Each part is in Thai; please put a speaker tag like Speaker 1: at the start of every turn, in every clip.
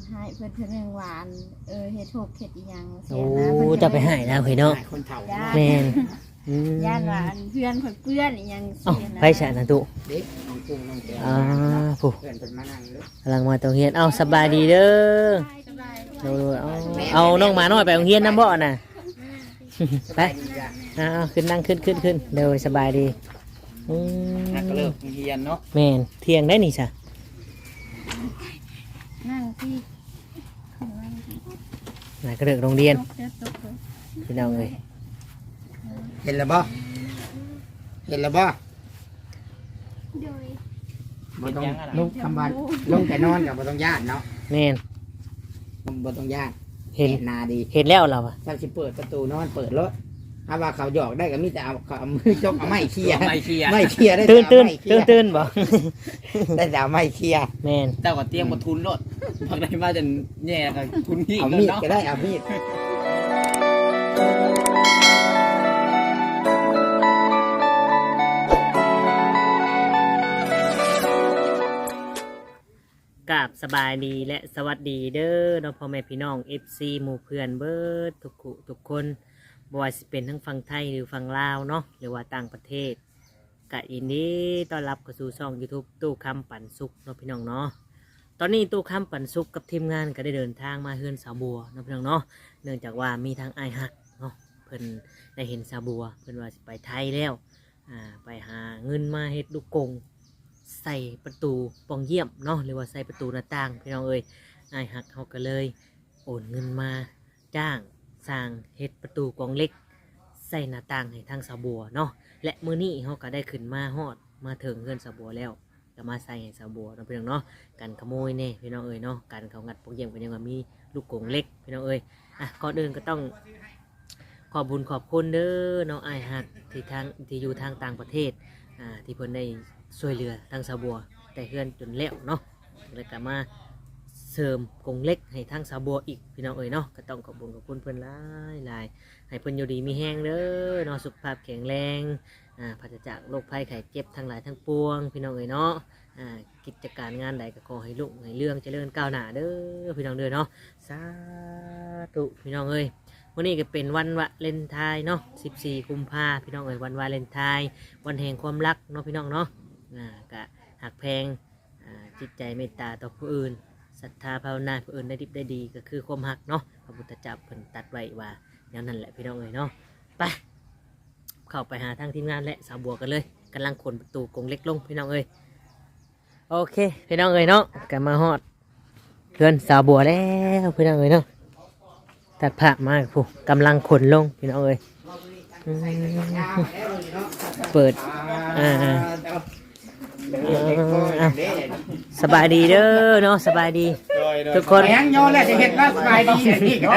Speaker 1: ให้เพิ่นเพิ่นหวานเฮ็ดถูกเฮ็ดอีหยังเสี
Speaker 2: โอ้
Speaker 1: ยนะเพิ่น
Speaker 2: จะไปให้แล้วเฮ้ยเนาะ
Speaker 3: คนเฒ่า
Speaker 2: แม่น
Speaker 1: ย่านว่าเพื่อนข่อยเปื้อนอีหยัง
Speaker 2: เอ้า
Speaker 1: เสียนะ
Speaker 2: ไปฉะนะตุ
Speaker 3: เด็กน้องกุ้งน้องแก้ว
Speaker 2: ผู้
Speaker 3: เพื่อนเป็นมานั่งเลย
Speaker 2: กำลังมาตรงเฮียนเอ้าสบายดีเด้อ
Speaker 1: สบาย
Speaker 2: ดูเอาน้องหมาน้อยไปโรงเรียนน้ำบ่อน่ะไป
Speaker 3: ดีจ้ะ
Speaker 2: เอาขึ้นนั่งขึ้นเดี๋ยวสบายดี
Speaker 3: นักก็เลิกเรียนเนาะ
Speaker 2: แม่นเที่ยงได้นี่จ้ะ
Speaker 1: นั่งที่
Speaker 2: น่ะก็เลิกโรงเรียน
Speaker 1: ตกเด้อตกเด้อ
Speaker 2: พี่น้องเอ้ย
Speaker 3: เห็นแล้วบ่เห็นแล้วบ่
Speaker 1: โดย
Speaker 3: บ่ต้องลุกคำว่าลงแต่นอนกับบ่ต้องญาติเนาะ
Speaker 2: แม่น
Speaker 3: บ่ต้องญาติ
Speaker 2: เห็น
Speaker 3: นาดี
Speaker 2: เห็นแล้วเราอะ
Speaker 3: ถ้าสิเปิดประตูนอนเปิดรถถ้าว่าเขาหยอกได้ก็มีแต่เอามือจกเอาไม้เคลียร์ไม่เคลียร์ได้
Speaker 2: ตื่น
Speaker 3: แต่เอาไม้เคลียร์
Speaker 2: ตื่นบ่
Speaker 3: ได้แต่เอาไม้เคลียร์
Speaker 2: แม่น
Speaker 4: เจ้าก็เตรียมมาทุนรถพักได้มาจนแย่กับทุนพี่
Speaker 3: เอา
Speaker 4: แล้ว
Speaker 3: มีด
Speaker 4: เนาะ
Speaker 3: ก็ได้เอามีด
Speaker 2: กราบสบายดีและสวัสดีเด้อน้องพ่อแม่พี่น้อง FC หมู่เพื่อนเบิดทุกคนบ่ว่าสิเป็นทั้งฝั่งไทยหรือฝั่งลาวเนาะหรือว่าต่างประเทศกะอินดีต้อนรับเข้าสู่ช่อง YouTube ตู้คำปันสุขเนาะพี่น้องเนาะตอนนี้ตู้คำปันสุขกับทีมงานก็ได้เดินทางมาเฮือนสาวบัวเนาะพี่น้องเนาะเนื่องจากว่ามีทางอ้ายฮักเนาะเพิ่นได้เห็นสาวบัวเพิ่นว่าสิไปไทยแล้วไปหาเงินมาเฮ็ดลูกกงใส่ประตูปองเยี่ยมเนาะหรือว่าใส่ประตูหน้าต่างพี่น้องเอ้ยอ้ายฮักเขาก็เลยโอนเงินมาจ้างสร้างเฮ็ดประตูกองเล็กใส่หน้าต่างให้ทางสาวบัวเนาะและมื้อนี้เขาก็ได้ขึ้นมาฮอดมาถึงเงินสาวบัวแล้วก็มาใส่ให้สาวบัวเนาะพี่น้องเนาะการขโมยแน่พี่น้องเอ้ยเนาะการเขางัดปองเยี่ยมก็ยังว่ามีลูกกงเล็กพี่น้องเอ้ยก่อนอื่นก็ต้องขอบคุญขอบคุณเด้อน้องอ้ายฮักที่อยู่ทางต่างประเทศที่เพิ่นได้ช่วยเหลือทางสาวบัวแต่เฮือนจนแล้วเนาะแล้วก็มาเสริมกงเล็กให้ทางสาวบัวอีกพี่น้องเอ๋ยเนาะก็ต้องขอบคุณเพิ่นหลายให้เพิ่นอยู่ดีมีแห้งเด้อเนาะสุขภาพแข็งแรงปราศจากโรคภัยไข้เจ็บทั้งหลายทั้งปวงพี่น้องเอ๋ยเนาะกิจการงานใดก็ขอให้ลุให้เรื่องเจริญก้าวหน้าเด้อพี่น้องเด้อเนาะสาธุพี่น้องเอ๋ยวันนี้ก็เป็นวันวาเลนไทน์เนาะ14 กุมภาพันธ์พี่น้องเอ๋ยวันวาเลนไทน์วันแห่งความรักเนาะพี่น้องเนาะก็หักแพงจิตใจเมตตาต่อผู้อื่นศรัทธาภาวนาผู้อื่นได้ดิบได้ดีก็คือความหักเนาะพระพุทธเจ้าเพิ่นตัดไว้ว่าอย่างนั้นแหละพี่น้องเอ๋ยเนาะไปเข้าไปหาทางทีมงานและสาวบัวกันเลยกำลังขนประตูกรงเล็กลงพี่น้องเอ๋ยโอเคพี่น้องเอ๋ยเนาะกันมาฮอดเพื่อนสาวบัวแล้วพี่น้องเอ๋ยเนาะตัดผ้ามาผู้กำลังขนลงพี่น้องเอ๋ยเปิดสบายดีเด้อเนาะสบายดีทุกคน
Speaker 3: ยังโยนแล้วจะเห็นว่าสบายดีนี่ก็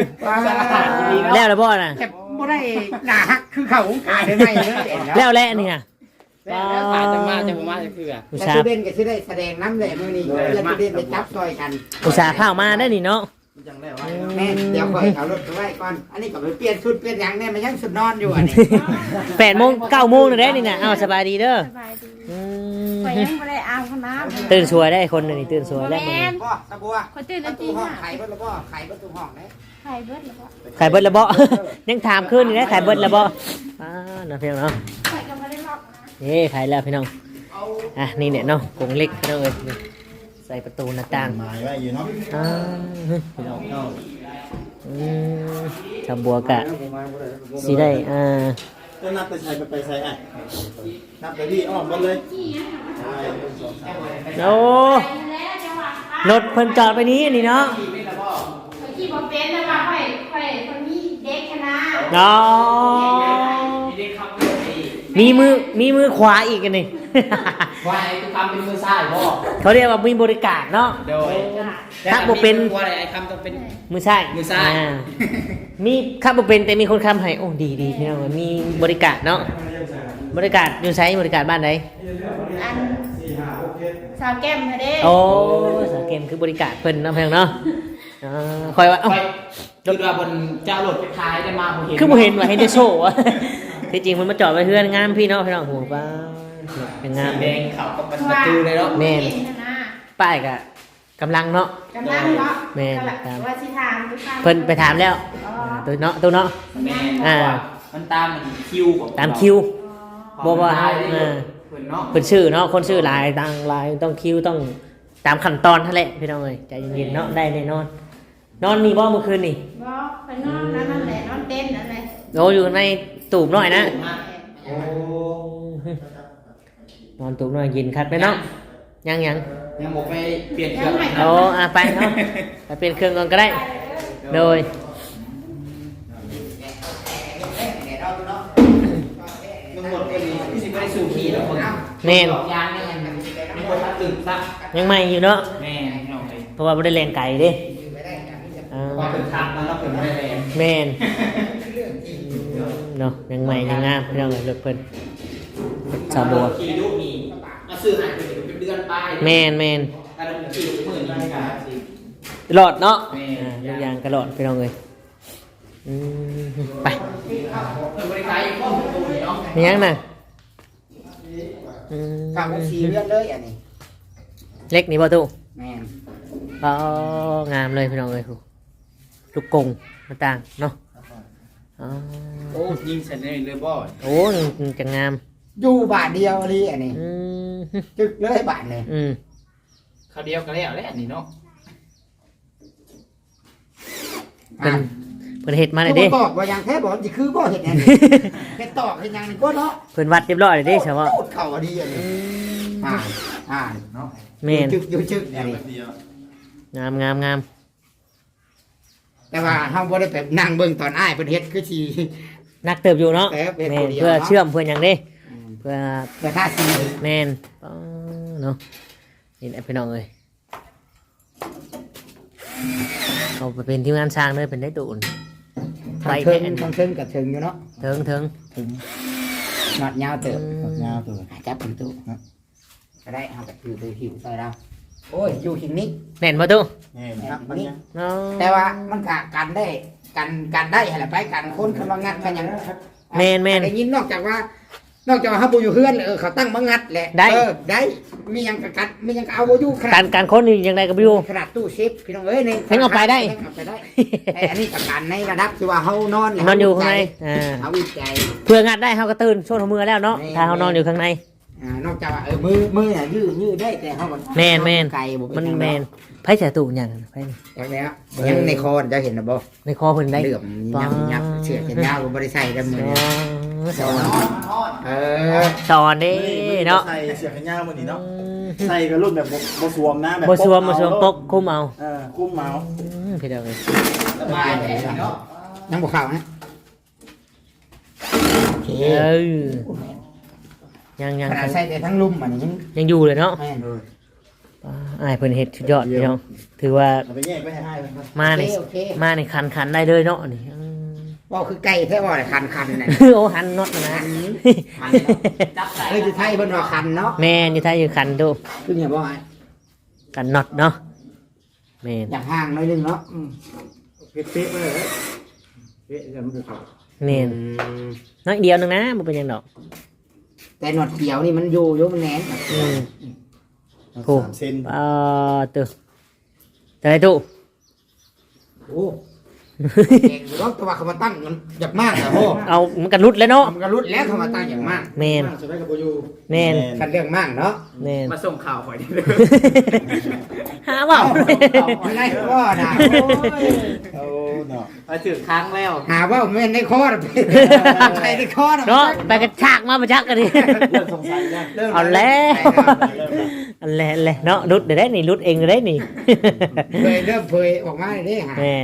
Speaker 2: แล้วละบ่น่ะ
Speaker 3: แต่บ่ได้หน้าฮักคือเขาขายได้ไหมเลย
Speaker 2: แล้วแล้วนี่น่ะ
Speaker 4: แล้วผ่านจะมาจะผมมาจะเพื่อ
Speaker 2: อุต
Speaker 3: แต่
Speaker 2: ส่า
Speaker 3: สุ
Speaker 2: ห์
Speaker 3: เด่นก็สิได้แสดงน้ำเลยมื้อนี้แล้วสุเด่นไปจับซอยกัน
Speaker 2: อุตส่าห์เข้ามาได้นี่เนาะ
Speaker 3: แม่เดี๋ยวก่อนเอารถไปไว้ก่อนอันนี้ก็ไปเปลี่ยนชุดเปลี่ยนหยังเนี่ยมันยังสุดนอนอยู่อันนี้
Speaker 2: 8 โมง 9 โมงเลยนี่น่ะเอาสบายดีเด้อ
Speaker 1: สบายดีข่อยยังบ่ได้อาบน้ำ
Speaker 2: ตื่นสวยได้คนนึงนี่ตื่นสวยแล้วมึง
Speaker 3: บ่ตะบัว
Speaker 1: ข่อยตื่น
Speaker 3: ป
Speaker 1: แล้ว
Speaker 3: ระตู
Speaker 1: ตี
Speaker 3: ห้อง
Speaker 1: ห้า
Speaker 3: ไขประตูห้องไขประตูห้องได้
Speaker 1: ไข่เบิดแล้วก็
Speaker 2: ขายเบิดละบ่ ยังถามขึ้นอยู่นะขายเบิดละบ่น้องพี่น้องเนาะ
Speaker 1: ข่อยก็บ่ได้ล็อกนะ
Speaker 2: นี่ขายแล้วพี่น้องนี่เนี่ยเนาะกรงเล็กพี่น้องเอ้ยใส่ประตูหน้าต่าง
Speaker 5: หมายไว้อยู่เนาะ
Speaker 2: พี่น้องชาวบัวกะสิได้
Speaker 5: ก็นับไปใส่ไปใส่อ่ะนับไปที่อ้อมหมดเลย
Speaker 2: โอ้รถเพิ่นจอดไปนี้นี่เนาะ
Speaker 1: ที่บ่เป็นนะว่าข่อยคนมีเด็กคณะ
Speaker 2: เนาะมีมือขวาอีกอันนี่
Speaker 4: ควายทุกคำเป็นมือซ้ายพ่อ
Speaker 2: เขาเรียกว่ามีบริการเนาะ
Speaker 4: โดย
Speaker 2: ถ้าบ่เป็น
Speaker 4: ว่าอะไรไอ้คำต้องเป็น
Speaker 2: มือซ้าย
Speaker 4: มือซ้าย
Speaker 2: มีข้าบ่เป็นแต่มีคนค้ำให้โอ้ดีพี่น้องมีบริการเนาะบริการอยู่ไสบริการบ้านไหน
Speaker 1: อันสาวแก้มเด้
Speaker 2: โอ้สาเกมคือบริการเพิ่นเนาะเพียงเนาะคอยว่าเอ้า
Speaker 4: คือว่าบนเจ้ารถไปท้ายได้มาผมเห็น
Speaker 2: คือบ่เห็นว่าเห็นแต่โชว์อะที่จริงมันมาจอดไว้เพื่อนงามพี่เนาะพี่น้องโหป้าเป็นงาม
Speaker 4: แดงเขากับประตูเลยเนาะ
Speaker 2: แม่น ป้ายกะกำลังเนาะ
Speaker 1: กำลังเนาะ
Speaker 2: แม่น
Speaker 1: ก็แบบว่าสิถามทุกครั้ง
Speaker 2: เพิ่นไปถามแล้ว
Speaker 1: อ๋อ
Speaker 2: ตัวเนาะตัวเนาะ
Speaker 4: แม่
Speaker 2: อ่า
Speaker 4: มันตามมันคิวของ
Speaker 2: ตามคิว
Speaker 4: บ่
Speaker 2: บ่ว่า
Speaker 4: ได้
Speaker 2: เออ
Speaker 4: เพิ่นเนาะ
Speaker 2: เพิ่นชื่อเนาะคนชื่อหลายต่างหลายต้องคิวต้องตามขั้นตอนนั่นแหละพี่น้องเอ้ยใจเย็นๆเนาะได้แน่นอน นอนนี่บ่เมื่อคืนนี่
Speaker 1: บ่ไปนอนนั่นแหละนอนเต้นนั่นแหละ
Speaker 2: โอ้อยู่ในตูบหน่อยนะ
Speaker 4: โอ้
Speaker 2: นอนตูบหน่อยเย็นคัดไปเนาะยัง
Speaker 4: ยังบ่ไปเปลี่ยนเครื่อง
Speaker 2: โอ้ไปเนาะไปเปลี่ยนเครื่องก่อนก็ได้ โดย
Speaker 4: มันหมดไปนี่พี่สิบ่ได้สู่ขี่แล้วคน
Speaker 2: แม่น
Speaker 4: ดอกยางนี่มันมีคนมาตื่นซะ
Speaker 2: ยังใหม่อยู่เนาะ
Speaker 4: แม่พี่น้องเอ้ย
Speaker 2: เพราะว่าไม่ได้แรงไก่เด้อ่า
Speaker 4: พอเป็นทางแล้วเราเป็นไม่ได้แรง
Speaker 2: แม่นเนาะยังใหม่ยังงามพี่น้องเอ้ยรถเพิ่นสาวบัว
Speaker 4: ขี่ลูกมีมาซื้อให้เป็นเดือนไป
Speaker 2: แม่น
Speaker 4: ถ้าเราขี่ลูกมื้อนี้ก็สิ
Speaker 2: ตลอดเนาะ
Speaker 4: แม่น
Speaker 2: ทุกอย่างตลอดพี่น้องเอ้ยอืมไป
Speaker 4: เพิ่นบ่ได้ขายอยู่ข้อมูลตัวนี้เนาะ
Speaker 2: มียังน่ะอืม
Speaker 3: ฟังสีเลือดเลยอันนี้
Speaker 2: เล็กนี่บ่ตู้
Speaker 3: แม่น
Speaker 2: อ๋องามเลยพี่น้องเอ้ยลูกกงมาต่างเนาะอ๋อ
Speaker 4: โอ้ยิงเสร็จเลยบ่
Speaker 2: โอ้จะงาม
Speaker 3: อยู่บาทเดียวนี่อันนี้
Speaker 2: อืม
Speaker 3: จึกเลยบาทนี่
Speaker 2: อืม
Speaker 4: เขาเดียวกันแล้วแหละนี่เนาะ
Speaker 2: เป็นเพิ่นเฮ็ดมาเลย
Speaker 3: เด้
Speaker 2: เด้
Speaker 3: ตอกว่ายังแท้บอกสิคือบ่เห็นอันนี้เฮ็ดตอกเฮ็ดหยังนี่ก็เนาะ
Speaker 2: เพิ่นวัดเรียบร้อยเลยเด้เฉพาะ
Speaker 3: พูดเข้าอันนี้อันนี้เนาะ
Speaker 2: แม่น
Speaker 3: อยู่จึกอันนี้
Speaker 5: เดียว
Speaker 2: งาม
Speaker 3: แต่ว่าเฮาบ่ได้ไปนั่งเบิ่งตอนอ้ายเพิ่นเฮ็ดคือสิ
Speaker 2: นักเติบอยู่เนาะ
Speaker 3: แต่เป็น
Speaker 2: แม่
Speaker 3: ผู้
Speaker 2: น
Speaker 3: เดียว
Speaker 2: เพื่อ
Speaker 3: เนาะ
Speaker 2: เชื่อมเพื่อนหยังเด้เพื่อ
Speaker 3: แต่ถ้าสี
Speaker 2: แม่นอ๋อเนาะนี่แหละพี่น้องเอ้ยเอาไปเป็นทีมงานสร้างเลยเป็นได้ตูน
Speaker 3: ทางเทิงทางเทิงกับเทิงอยู่เนาะ
Speaker 2: เถิง
Speaker 3: หนอดยาวเติบ
Speaker 5: ยาวตัว
Speaker 3: จับเป็นตู้ก็ได้เฮาก็ถือหิวใส่เราโอ้ยอยู่หิงนี้
Speaker 2: แน่นบ่ตู้
Speaker 5: นี่ครับมันยัง
Speaker 2: เนาะ
Speaker 3: แต่ว่ามันก็กันได้กันได้หั่นแหละไปกันคนคำว่างัดกันหยัง
Speaker 2: แม่น
Speaker 3: ได้ยินนอกจากว่าเฮาบ่อยู่เฮือนเขาตั้งมางัดแหละ
Speaker 2: ได้
Speaker 3: ได้มีหยังก็กัดมีหยังก็เอาบ่อยู่ขนา
Speaker 2: กา
Speaker 3: ด
Speaker 2: รคนนี่ยังไงกับอยู่
Speaker 3: ขนาดตู้เซฟพี่น้องเอ้ยนี่
Speaker 2: เพิ่งเอาไปได้
Speaker 3: เอาไปได้แต่อันนี้ก็กันในระดับที่ว่าเฮานอน
Speaker 2: นอนอยู่ข้างใน
Speaker 3: เฮาวิจัย
Speaker 2: เพื่องัดได้เขาก็ตื่นช่วงหัวมือแล้วเนาะถ้าเขานอนอยู่ข้างใน
Speaker 3: นอกจากว่ามือน่ะยืดได้แต่เฮามัน
Speaker 2: แม่น
Speaker 3: ไก่บ่เป็
Speaker 2: มัน
Speaker 3: หยัง
Speaker 2: แมนไพ่เสียตู่อย่างนั้นไพ่นี่
Speaker 3: อย่างแล้วยังในคอจะเห็นนะบ่
Speaker 2: ในคอเพิ่นได้
Speaker 3: เหลื่อมยับเสือแขนยาวบ่ได้ใส่ดำมือ
Speaker 2: สอน
Speaker 3: เออ
Speaker 2: สอนเด้เนาะ
Speaker 5: ใส่เสื้อแขนยาวมื้อนี้เนาะใส่กับรุ่นแบบบ่สวมนะแบบ
Speaker 2: บ่สวมปกคุมเอา
Speaker 5: คุ้มเมา
Speaker 2: พี่เดียวเลย
Speaker 4: สบายเลยเนาะ
Speaker 3: ยังบ่เข้าฮะโอเค
Speaker 2: เออยัง
Speaker 3: ขนาดใส่แต่ทั้งลุ่มอันนี้
Speaker 2: ยังอยู่เลยเนาะ
Speaker 3: แม่น
Speaker 2: อ้ายเพิ่นเฮ็ดสุดยอดพี่น้องถือว่า
Speaker 5: เอาไปแยกไปให้มัน
Speaker 2: มาใน
Speaker 3: โอเค
Speaker 2: มาในคันได้เลยเนาะนี่
Speaker 3: ว่าคือไก่แท้ว่าคันน่ะ
Speaker 2: โอ้หันน็อตนะ
Speaker 4: จับใส่
Speaker 3: เอ้ยอยู่ไทยเพิ่นว่าคันเนาะ
Speaker 2: แม่นอยู่ไทยอยู่คันดู
Speaker 3: คือเนี่ยบ่
Speaker 2: กันน็อตเนาะแม่น
Speaker 3: อย่างห่างหน่อยนึงเนาะเป๊ะๆเลยเป๊ะจะมันคือเขา
Speaker 2: แม่นน้อยเดียวนึงนะบ่เป็นหยังดอก
Speaker 3: แต่หนวดเขียวนี่มันอยู่มันแน่น
Speaker 2: อืม
Speaker 5: 3เซน
Speaker 2: ตึแต่ไอ้ตู้
Speaker 3: โอ้เก่งรถตัวเขามาตั้งมันอยากมากอะโห
Speaker 2: เอามันกันรุดแล้วเนาะ
Speaker 3: มันก็รุดแล้วเขามาตั้งอยากมาก
Speaker 2: แมน
Speaker 5: จะได้กับบ่อยู่
Speaker 2: แมน
Speaker 3: คันเรื่องมากเนาะ
Speaker 2: แมน
Speaker 4: มาส่งข่าวข่อยได้เลย
Speaker 2: หาเปล่า
Speaker 3: อะไรก็นะ
Speaker 5: โอ้เนาะ
Speaker 4: มาถึงครั้งแล้ว
Speaker 3: หาว่าแม่นในคอนะใครในคอนะ
Speaker 2: เนาะไปกระชากมาประชักกันดิ
Speaker 5: เริ่มสงสัยแล้ว
Speaker 2: เอาแล้วอันแหละเนาะรุดเดี๋ยวได้นี่รุดเองเดี๋ยวได้นี่
Speaker 3: เริ่มเผยออกมาเลยดิฮะ
Speaker 2: แมน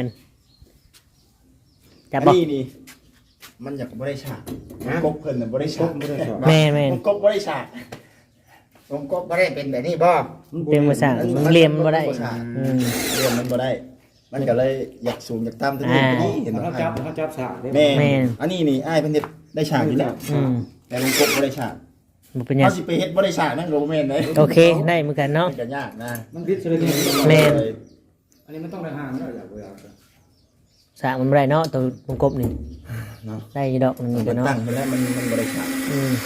Speaker 2: จับ
Speaker 5: อัน
Speaker 2: บอก
Speaker 5: นี้นี่มันอยากบ่ได้ฉากกบเพิ่นน่ะบ่ได้ฉาก
Speaker 2: แมนแมน
Speaker 5: กบบ่ได้ฉาก
Speaker 3: ผมก็ไม่ได้เป็นแบบนี้บ่
Speaker 2: เป็นภาษามันเรียมบ่ได้อืม
Speaker 5: เรียนมันบ่ได้ มันก็เลยอยากสูงอยากต่ำตัวนี้ตัวนี้เห็นบ่
Speaker 3: เขาจับฉาก
Speaker 5: แม่
Speaker 2: แม่น
Speaker 5: อันนี้นี่อ้ายเพิ่นเฮ็ดได้ฉากอยู่แล้ว
Speaker 2: อืม
Speaker 5: แต่มันกบบ่ได้ฉาก
Speaker 2: บ่เป็นหยัง
Speaker 5: เขาสิไปเฮ็ดบ่ได้ฉากนั่นก็บ่แม่นเด้
Speaker 2: โอเคได้เหมือนกันเนาะ
Speaker 5: มันก็ยากนะ
Speaker 3: มันพิษเลย
Speaker 2: แม่น
Speaker 3: อันนี้มันต้องได้ห่างแล้วอย่าบ่อยาก
Speaker 2: สากมันบ่ได้เนาะตัววงกบนี่
Speaker 5: เนาะ
Speaker 2: ได้อยู่ดอกนึง
Speaker 5: มัน
Speaker 2: เดี๋ยวเนาะ
Speaker 5: ตั้งไปแล้วมันบ่ได้ฉาก
Speaker 2: อืม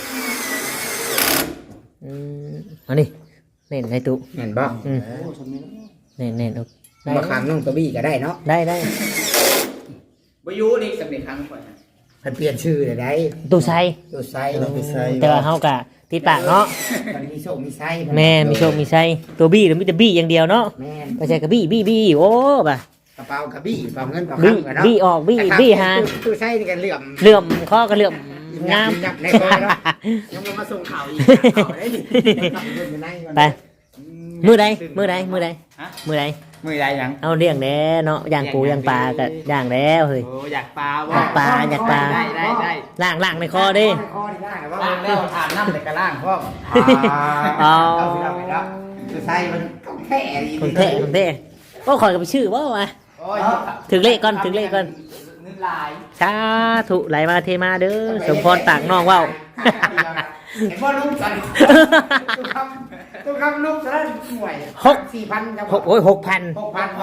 Speaker 2: อันนี้เน่นในตู้
Speaker 3: เห็นบ่
Speaker 2: อืมแน่นๆได้
Speaker 3: บางครั้งน้องตัวบี้ก็ได้เนาะ
Speaker 2: ได้
Speaker 4: บ่อยู่นี่สำเร็จครั้งก่อนนะ
Speaker 3: เพิ่นเปลี่ยนชื่อเลยได้
Speaker 2: ตู้ไซ
Speaker 3: ตัวไซ
Speaker 5: เราไปใส่
Speaker 2: แต่ว่าเฮากะติดปากเนาะ
Speaker 3: มันมีโชคมีไซ
Speaker 2: แม่มีโชคมีไซตัวบี้หรือมีแต่บี้อย่างเดียวเนาะ
Speaker 3: แม่น
Speaker 2: ไม่ใช่กระบี้โอ้บ่ะ
Speaker 3: กระเป๋ากระบี้กระเป๋าเงินกระ
Speaker 2: บี้
Speaker 3: คำกันเนาะ
Speaker 2: บี้ออกบี้หา
Speaker 3: ตู้ไซนี่กันเหลื่อม
Speaker 2: เหลื่อมข้อก็เหลื่อมงาม
Speaker 3: ยับในคอเนาะยังมาส่งข่าวอีกข่าวได้ดิ
Speaker 2: ไปมือใดมือใด
Speaker 4: มือใดยัง
Speaker 2: เอาเลี้ยงแน่เนาะย่างปูย่างปลาก็ย่างแล้วเฮ้ย
Speaker 4: โอ้อยากปลา
Speaker 2: อยากปลา
Speaker 4: ได้
Speaker 2: ล่างในคอดิ
Speaker 3: คอนี่ได้ว่า
Speaker 4: ล้างแล้วอาบน้ำแต่กระล่างพ่อ
Speaker 3: เอาสิเราไปแล้วตู้ไซมันต้องแท้ดี
Speaker 2: คนเท่ก็ขอยกับชื่อว่าวะ
Speaker 4: โอ้ย
Speaker 2: ถึงเลขก่อน
Speaker 4: เงินลาย
Speaker 2: สาธุไหลมาเทมาเด้อสมพรต่างน้องว่าว
Speaker 3: เห็นว่าลูกกันตู้คำลูกจะได้หน่วย4,000ครับ
Speaker 2: โอ้ย6,000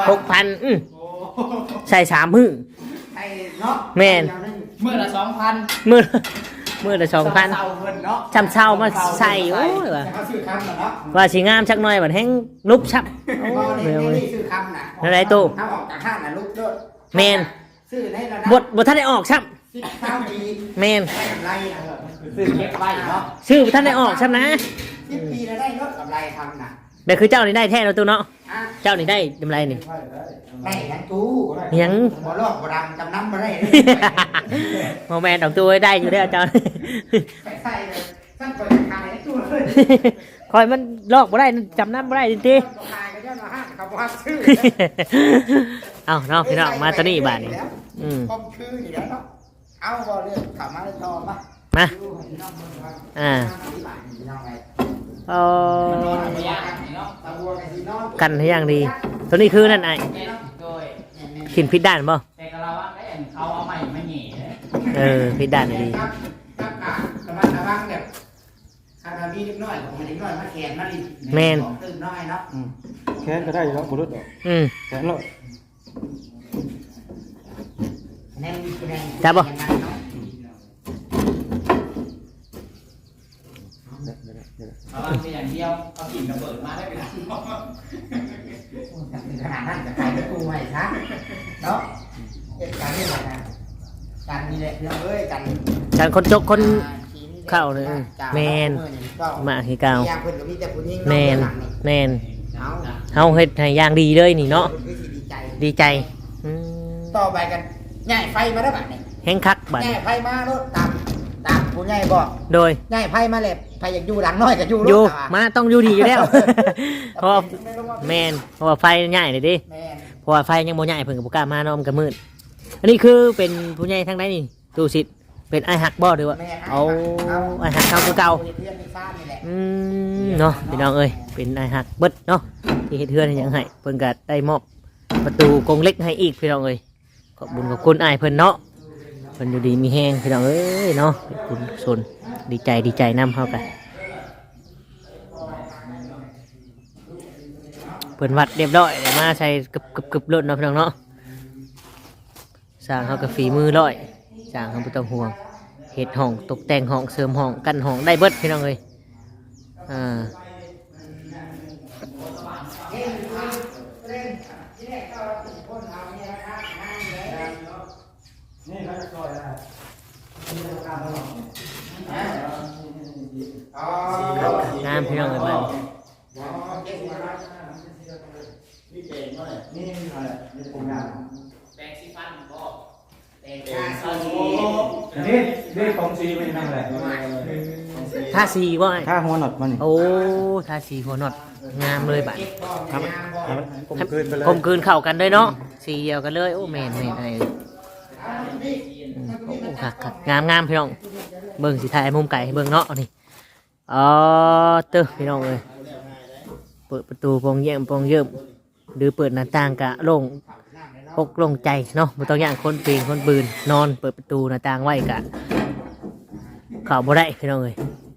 Speaker 2: ใส่3 มื้อ
Speaker 3: ไอ้เนาะ
Speaker 2: แม่น
Speaker 4: มื้อละ 2,000
Speaker 2: มื้อละ
Speaker 4: เศร้า
Speaker 2: 2,000
Speaker 4: เพิ่นเนาะ
Speaker 2: จำเช่ามาใส่โอ้ยว่ะ
Speaker 3: เขาซื้อคำเนาะ
Speaker 2: ว่าสิงามชักหน่อยบัดแห้งลุบชับโอ้
Speaker 3: นี่
Speaker 2: ย
Speaker 3: นี่ซื้อคำน่ะ
Speaker 2: นั่นไรตู้
Speaker 3: ถ้าออกจากห้างน่ะลูกด้วย
Speaker 2: แมน
Speaker 3: ซื้อได้แล้ว
Speaker 2: บทท่านได้ออกชับ
Speaker 3: 10 ปี
Speaker 2: แมน
Speaker 3: ได้กำไรนะ
Speaker 4: ซื้อเก็บไว้เนาะ
Speaker 2: ชื่อบ่ท่านได้ออกชับนะ
Speaker 3: 10 ปีแล้วได้รถกำไรทำน่ะ
Speaker 2: แบบคือเจ้านี่ได้แท้แล้วตู้เนาะ
Speaker 3: อ่ะ
Speaker 2: เจ้านี่ได้กำไรนี่
Speaker 3: ได้ทั้งตู้
Speaker 2: ยัง
Speaker 3: บ่ลอกบ่ดำจำน้ำบ่ได้
Speaker 2: โมแมนออกตัวได้อยู่ได้อเจ้า
Speaker 3: ไปใส่เลยสั่งเปิดขายให้ตู้เลย
Speaker 2: คอยมันลอกบ่ได้จำน้ำบ่ได้จริง
Speaker 3: ขายก็ย้อนมาห้างเขาบ่ฮักซื้อ
Speaker 2: ๆ เอาเนาะพี่น้องมาตัวนี้บาทนี่อืม
Speaker 3: คอมคือนี่แล้วเนาะเอาบ่เรื่องเข้ามาเลยต่อมา
Speaker 2: มาอ่าเอา
Speaker 4: ไม่ยากเนาะ
Speaker 2: กันให้อย่างดี ตัวนี้คือนั่นไอ้
Speaker 4: โดย
Speaker 2: ขินพิษด้านบ่
Speaker 4: แต่กะเราว่าได้อันเขาเอาใหม่มาแหน่
Speaker 2: พิษด้านดี
Speaker 3: ครับระมัดระวังแบบถ้าเรามีเล็กน้อยของมันเล็กน้อยมาแขนมาดิตื่นน้อยเนาะ
Speaker 5: แค่ก็ได้แล้วบ่รู้ดอก
Speaker 2: อืม
Speaker 5: แค่แล้ว
Speaker 3: แน่นแน่น
Speaker 2: จับบ่
Speaker 4: เอาว่าเป็นอย่างเดียวเอากิ่งระเบิดมาได้เป็น
Speaker 3: ขนาดนั้นจะขายไปกูไว้ซะเนาะเหตุการณ์นี้แหละนะกันนี่แหละเอ้ยกัน
Speaker 2: การคนจกคนเข้าเลยแมนมาคือเก่าแมนแมน
Speaker 3: เอา
Speaker 2: เฮาเฮ็ดให้อย่างดีเลยนี่เนาะ
Speaker 3: ดีใจ
Speaker 2: ดีใจอืม
Speaker 3: ต่อไปกันง่ายไฟมาได้บัดนี่
Speaker 2: แห้งคักบัด
Speaker 3: ง่ายไฟมารถตามผู้ใหญ่บอก
Speaker 2: โดย
Speaker 3: ง่ายไฟมาเลยไฟอยากอยู่หลังน้อยก็อยู่
Speaker 2: อยู่
Speaker 3: รถ
Speaker 2: มาต้องอยู่ดีอยู่แล้ว เพราะว่าแมนเพราะว่าไฟง่ายเลยดิ
Speaker 3: แม่น
Speaker 2: เพราะว่าไฟยังบ่ง่ายเพิ่นก็บ่กล้ามาเนาะมันก็มืดอันนี้คือเป็นผู้ใหญ่ทางใดนี่ตู้สิทธิ์เป็นไอ้หักบ่หรือว่าเอาไอ้หักเก่าคือเก่า
Speaker 3: เพื่อนในฟ้านี่แหละ
Speaker 2: เนาะพี่น้องเอ้ยเป็นไอ้หักเบิดเนาะที่เฮ็ดเฮือนให้หยังให้เพิ่นก็ได้มอบประตูกรงเหล็กให้อีกพี่น้องเอ้ยขอบคุญขอบคุณอ้ายเพิ่นเนาะเพิ่นอยู่ดีมีแฮงพี่น้องเอ้ยเนาะเป็นบุญส่วนดีใจนำเฮากันเพิ่นวัดเรียบร้อยมาใส่กึบรถเนาะพี่น้องเนาะสร้างเฮาก็ฝีมือร้อยสร้างเฮาบ่ต้องห่วงเฮ็ดห้องตกแต่งห้องเสริมห้องกั้นห้องได้เบิดพี่น้องเอ้ยงามพี่น้องเอ้ยบ้าน
Speaker 4: แปรงสีฟันบ่แปรง
Speaker 5: นี่ของซีไม่นั่งแหละ
Speaker 2: ท่าสีว่า
Speaker 5: ถ้าหัวหนอดมัน
Speaker 2: โอ้ท่าสีหัวหนอดงามเลยบัด
Speaker 5: ครับผมคืนไปเลย
Speaker 2: กลมกลืนเข้ากันเลยเนาะสีเดียวกันเลยโอ้แม่นไอ้โอ้คักงามพี่น้องเบิ่งสิถ่ายมุมไก่เบิ่งเนาะนี่อ๋อเต้อพี่น้องเอ้ยเปิดประตูโปงเยี่ยมหรือเปิดหน้าต่างกะโล่งอกโล่งใจเนาะบ่ต้องย่างคนปีนคนปืนนอนเปิดประตูหน้าต่างไว้กะเข้าบ่ได้พี่น้องเอ้ย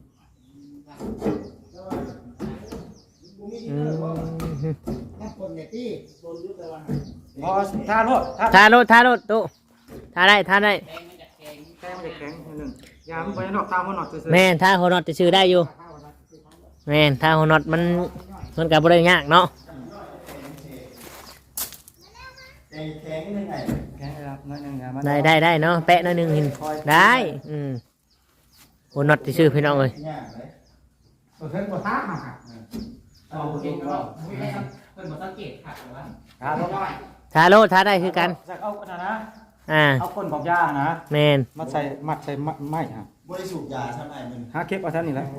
Speaker 5: พอท่ารถ
Speaker 2: ทารถตู้ทาได้
Speaker 5: แก้มจะแข็งนึงยามไปนอกตามหัวหนอดซื้อ
Speaker 2: แม่นทาหัวน็อตจะซื้อได้อยู่แม่นทาหัวน็อตมันกับบริยากเนาะ
Speaker 5: แข็งยังไง
Speaker 3: แค่รับน้อยหนึงนะมัน
Speaker 2: ได้เนาะแปะหนิดนึงเห็นได้โหน็อตที่ชื่อพี่น้องเลย
Speaker 5: ยากเลย
Speaker 3: ตัวเพิ่นบ่ทักมาครับ
Speaker 4: เอาเก่งก็ไม่ได้เพิ่นบ่สังเกตค่ะว่า
Speaker 3: ครับน้อย
Speaker 2: ทาโลทาได้คือกัน
Speaker 3: สักเอาอันนั้นนะ
Speaker 2: อ่า
Speaker 3: เอาคนของยานะ
Speaker 2: แมน
Speaker 3: มัดใส่ไม้ฮะ
Speaker 5: บ่ได้สูบยาใช่ไหมมึง
Speaker 3: หาเก็บเอาท่านนี่แหละ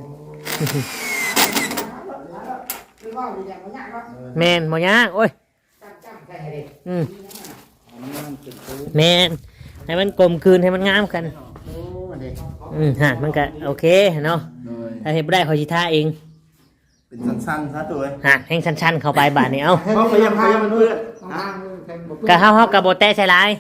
Speaker 2: แมนหมอยากโอ้ยอืมแมนให้มันกลมกลืนให้มันงามกันฮะมันก็โอเคเนาะ
Speaker 5: โดย
Speaker 2: ถ้าเห็นบ่ได้ขอชิท่าเอง
Speaker 5: เป็นสั้นๆซะตัวเอง
Speaker 2: ฮะแห้งชันๆเข้าไปบาดนี้เอ้า
Speaker 5: เพราะพยายามมันเพื่อน
Speaker 2: กะเฮากะโบแตะใส่ลาย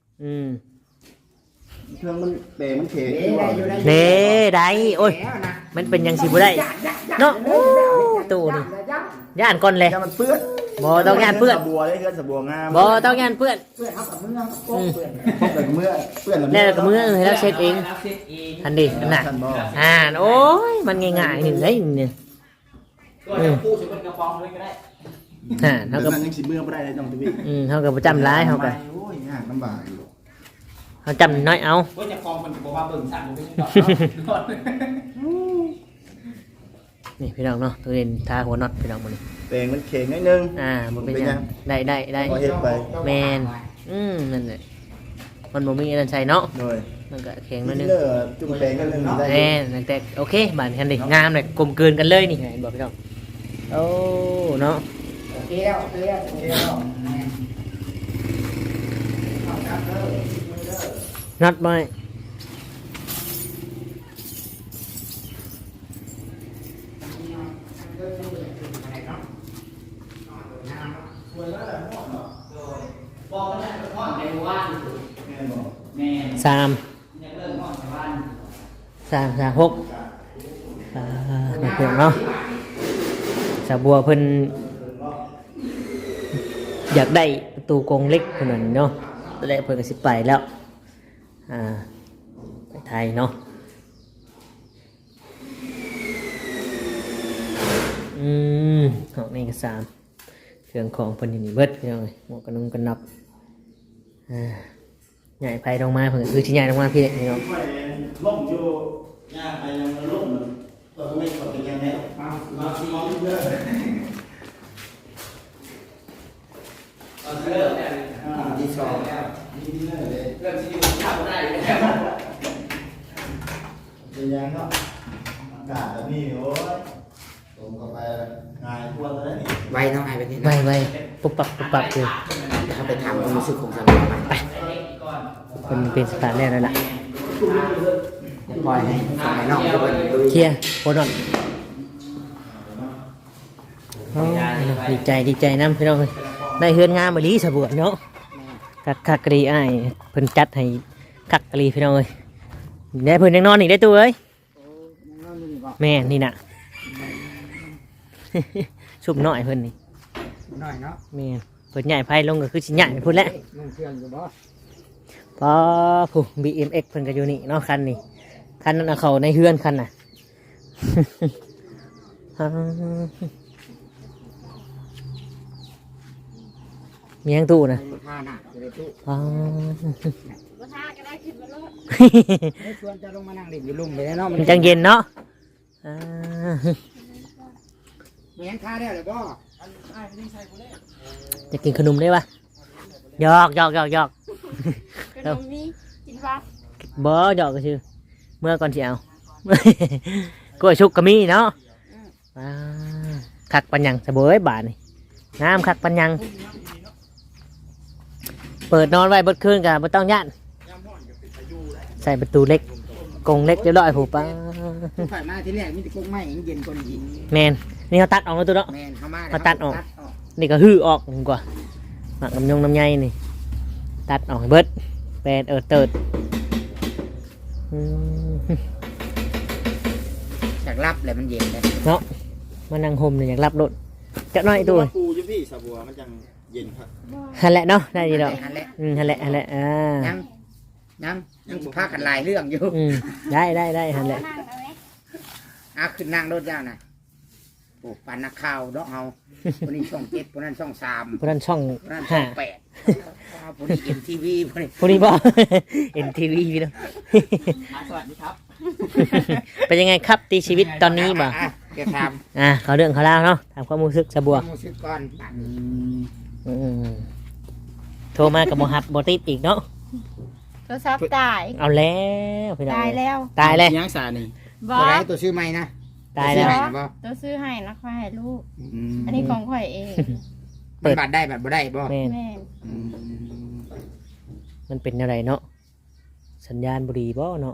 Speaker 5: เครื่องมันเปรมันเข็ง
Speaker 2: เน่ได้โอ้ยมันเป็นหยังสิบ่ได้เนาะโอ้ตู้นี่ย่านก่อนเลย
Speaker 5: ยามันเปื้อน
Speaker 2: บ่ต้องย่านเปื้อน
Speaker 5: สบัวได้เพื่อนสบัวงาม
Speaker 2: บ่ต้องย่านเปื้อน
Speaker 5: พบแต่เมื่อเปื้อน
Speaker 2: แล้วก็มือให้เราเช็ดเอง
Speaker 4: รับเซ็ตเอง
Speaker 2: อันนี้น่ะ
Speaker 5: ท่านบ่
Speaker 2: โอ้ยมันง่ายๆนี่เลยเนี่ย
Speaker 4: ก็จะพูดถึงเป็นกระป๋องเลยก็ได้
Speaker 2: เฮา
Speaker 5: เดี๋ยว
Speaker 2: ก็
Speaker 5: นั้นยังสิเมื่อบ่ได้เลยน้องทวี
Speaker 2: เฮาก็บ่จำร้ายเฮาก็
Speaker 5: โอ้ยยากลำบากอยู่
Speaker 2: เฮาจำน้อยเอา
Speaker 4: ว่าจะฟองมันบอกว่าเบิ่งสั่นมันไม่ใช่ดอกเนาะ
Speaker 2: นี่พี่น้องเนาะตัวเด่นทาหัวน็อตพี่น้องมัน
Speaker 5: เปรมันเข็งนิดนึง
Speaker 2: บ่เป็นหยังได้
Speaker 5: พอเฮ็ดไป
Speaker 2: แมนนั่นแหละมันบ่มีอันนั้นใส่เนาะ
Speaker 5: โดย
Speaker 2: มันก็แข็งนิดนึง
Speaker 5: เลิกจุ่มเปรกันนึงได้
Speaker 2: แน่แต่โอเคบานกันดิงามเลยกลมกลืนกันเลยนี่ไงบอกพี่น้องโอ้เนาะ
Speaker 3: โอเคแล้วโอเคแล้วโอเคแล้ว
Speaker 2: น็อตไว้สามหกนักเพื่อนเนาะสาบัวเพิ่นอยากได้ประตูกรงเล็กคนนั้นเนาะแล้วเพิ่นก็สิไปแล้วไปไทยเนาะของนี่ก็สามเครื่องของเพิ่นอยู่นี่เบิดพี่น้องเอ้ยหมวกกันน็อกกันน็อกใหญ่ไปลงมาเพิ่นก็คือสิใหญ่ลงมาพี่น้อง
Speaker 5: ล่มอยู่ยากไปยังล่มตัวไม่กดเป็นยังไงมาที่มองเยอะ
Speaker 3: ที่สอง
Speaker 4: เริ่มที่ทำได้แล้ว
Speaker 5: เป็นยังเนาะอากาศแบบนี้โอ้ยผมก็ไปงานทั่วเลยนี่
Speaker 3: ไวเท่าไหร่ไปนี่
Speaker 2: ไวปุ๊บปับคือ
Speaker 3: ถ้าไปถามความรู้สึกของสามีไป
Speaker 2: คนเป็นสถานแรกนั่นแหละ
Speaker 3: ปล่อยให้สายนอกดูดู
Speaker 2: เคลียร์โคตรดีใจน้ำพี่น้องเลยได้เฮือนงามมาลีสะบวเนาะคักกะรีอ้ายเพิ่นจัดให้คักกะรีพี่น้องเลยได้เพิ่นยังนอนอีกได้ตัวเอ้ยแม่นี่น่ะ ชุบหน่อยเพิ่นนี่
Speaker 3: หน่อยเนาะ
Speaker 2: แม่เพิ่นใหญ่ไพ่ลงก็คือสิใหญ่พุ่นแหละ
Speaker 3: นุ่งเครื่องอยู่บ่
Speaker 2: พอผู้ BMX เพิ่นก็อยู่นี่เนาะคันนี้คันนั้นเอาเขาในเฮือนคันน่ะ มียังตู้นะ
Speaker 3: ท่าหนักเลยตู้
Speaker 2: อ๋อ
Speaker 1: บ่ทาก็ได้ขึ้นมาโลด
Speaker 3: ชวนจะลงมานั่งเล่นอยู่ลุ่มเลยเนาะ
Speaker 2: มันจังเย็นเนาะอ่า
Speaker 3: เมียนท่าได้หรือบ่
Speaker 2: จะกินขนมได้ปะหยอก
Speaker 1: ขนมนี้กินว่า
Speaker 2: บ่หยอกก็ชื่อเมื่อก่อนสิเอา กล้วยชุกก็มีเนาะอ่าคักปัญญังสะเบยบาทนี่น้ำคักปัญญังเปิดนอนไว้เบิดคืนกับไม่ต้องย่านใส่ประตูเล็กกรงเล็กเรียบร้อยผูป้า
Speaker 3: ฝ่ายมาที่แรกมีแต่กุ้งไม้เย็นคนยิง
Speaker 2: แมนนี่เขาตัดออกแล้วตัวเนาะ
Speaker 3: แมนเข้ามา
Speaker 2: มาตัดออก นี่ก็ฮื้อออกกว่าหมักน้ำยงน้ำใยนี่ตัดออกให้เบิดแปดเติดอืม
Speaker 3: จากรับเลยมันเย็นเลย
Speaker 2: เนาะมานั่งห่มเนี่ยอยากรับรถจะน้อยตัว
Speaker 5: ปูอยู่พี่สบัวมันจังเย็นครับ
Speaker 2: ฮันแหละเนาะได้ดีดอก
Speaker 3: นั่นแหละ
Speaker 2: ฮันแหละ
Speaker 3: ยังพากันลายเรื่องอยู่
Speaker 2: ได้ฮันแหละ
Speaker 1: นั่งเอาไว้
Speaker 3: ขึ้นนั่งรถเจ้าน่ะโอ้ปันนักข่าวเนาะเอาคนนี้ช่อง7คนนั้นช่อง3
Speaker 2: เพราะนั้นช่อง
Speaker 3: คนนั้นช่
Speaker 2: ห้า
Speaker 3: อง8 คนนี้ MTV พวกนี้
Speaker 2: ผู้นี้บ่ NTV พี่น้อง
Speaker 4: สวัสดีครับ
Speaker 2: เป็นยังไงครับตีชีวิตตอนนี้บ่
Speaker 3: เดี๋ยวถาม
Speaker 2: เขาเรื่องเขาเล่าวเนาะถามความรู้สึกสะบัว
Speaker 3: มูสึกก่อนบัดนี้
Speaker 2: อืมโทรมากับโมฮับโบติดอีกเนาะ
Speaker 1: โทรศัพท์ตาย
Speaker 2: เอาแล้วพี่น้อง
Speaker 1: ตายแล้ว
Speaker 2: ตายเลย
Speaker 4: ยังสานี่
Speaker 1: บอ
Speaker 3: ตัวไหน
Speaker 1: ส
Speaker 3: ตัวชื่อใหม่นะ
Speaker 2: ตายแล้ว
Speaker 3: ตัวชื่อใหม่นะบ่
Speaker 1: ตัวซื้อให้แล้วค่อยให้ลูก
Speaker 4: อืม
Speaker 1: อันนี้ของข่อยเอง
Speaker 2: เปิ
Speaker 3: มัน
Speaker 2: ด
Speaker 3: บัตรได้บัตรบ่ได้บ่
Speaker 2: แม่น
Speaker 1: แม่น
Speaker 3: อืม
Speaker 2: มันเป็นอะไรเนาะสัญญาณบุรีบ่เนาะ